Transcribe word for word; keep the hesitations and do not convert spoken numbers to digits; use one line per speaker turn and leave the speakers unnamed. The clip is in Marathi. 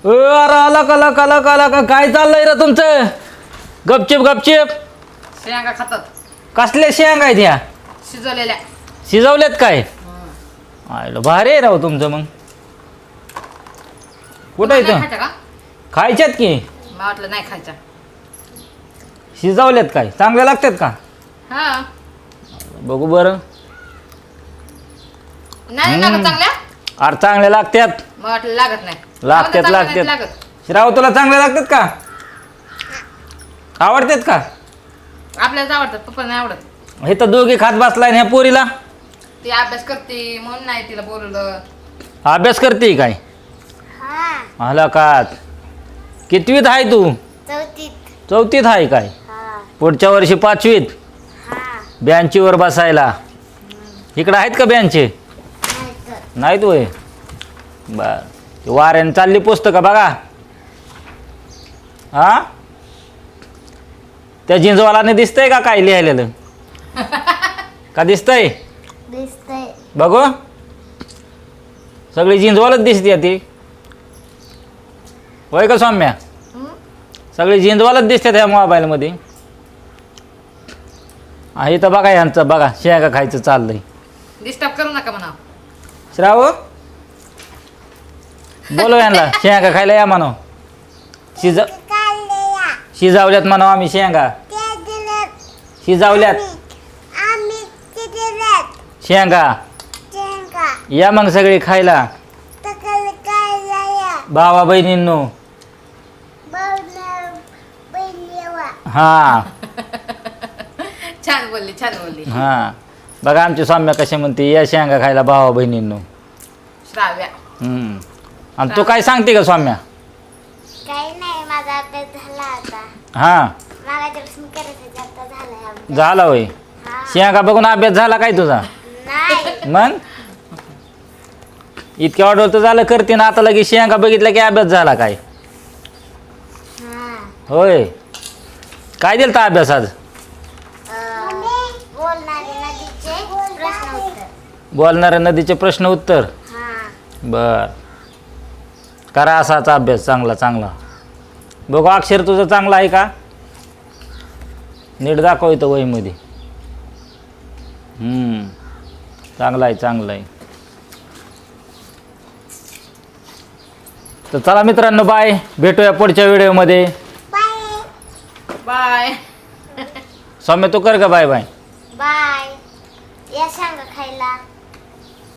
अरे आला का का ला का का काय चाललंय रे तुमचं? गपचिप गपचिप
शेंगा खातात.
कसल्या शेंगा आहेत ह्या?
शिजवलेल्या.
शिजवल्यात काय? आयला भारी आहे राव तुमचं. मग कुठं आहे
खायच्या
तर
का?
खायच्यात की?
मला वाटलं नाही खायच्या.
शिजवल्यात काय? चांगल्या लागतात का?
हा.
बघू बरं.
नाही लागत चांगल्या?
अरे चांगल्या लागतात.
मला वाटलं लागत नाही.
लागतात
चांगल्या नाहीत
लागतात.
लागत.
श्राव तुला चांगल्या लागतात का? आवडतात का?
आपल्याला आवडतात, पप्पा नाही आवडत.
हे तर दोघी खात बसलाय ह्या पोरीला.
ती अभ्यास करते म्हणून नाही तिला बोलवलं.
अभ्यास करते काय? आला का? कितवीत आहे तू?
चौथीत.
चौथीत आहे काय? पुढच्या वर्षी पाचवीत. बेंचीवर बसायला. इकडं आहेत का बेंचे? नाहीत होय. बर वाऱ्याने चालली पुस्तकं बघा. हा त्या जिंजवालाने दिसतंय का काय लिहायलेलं? का दिसतंय?
दिसतंय.
बघू सगळी जिंजवालच दिसते ती. होय का सौम्या? सगळी जिंजवालच दिसते त्या मोबाईलमध्ये. आहे तर बघा यांचं बघा शेंगा खायचं चाललंय.
डिस्टर्ब करू नका म्हणा.
श्राव बोलो यांना शेंगा खायला या म्हणाव. शिज शिजावल्यात म्हणाव आम्ही शेंगा. शिजावल्यात शेंगा. या मग सगळे खायला. भावा बहिणींनो. हा
छान बोलली छान बोलली.
हा बघा आमची सौम्या कशी म्हणते या शेंगा खायला भावा बहिणींनो.
श्राव्या.
हम्म आणि तू काय सांगते का सौम्या?
काही नाही, माझा अभ्यास झाला आता.
हा
मागाच्यापासून करत आता झालाय अभ्यास.
झाला होय.
हा.
शेंगा बघून अभ्यास झाला काय तुझा?
नाही.
मग इतक्या ऑर्डर तर झालं करते ना आता लगेच शेंगा बघितलं की अभ्यास झाला काय?
हा.
होय. काय दिलं तर अभ्यास आज?
अं, बोलणारे नदीचे प्रश्न उत्तर.
बोलणाऱ्या नदीचे प्रश्न उत्तर.
हा.
बर करा असाच अभ्यास चांगला चांगला. बघू अक्षर तुझं चांगलं आहे का? नीट दाखव इथं वहीमध्ये. हम्म चांगलं आहे चांगलं आहे. तर चला मित्रांनो बाय. भेटूया पुढच्या व्हिडिओमध्ये.
बाय.
बाय.
सौम्य तू कर का बाय बाय.
बाय. या सांगा खायला.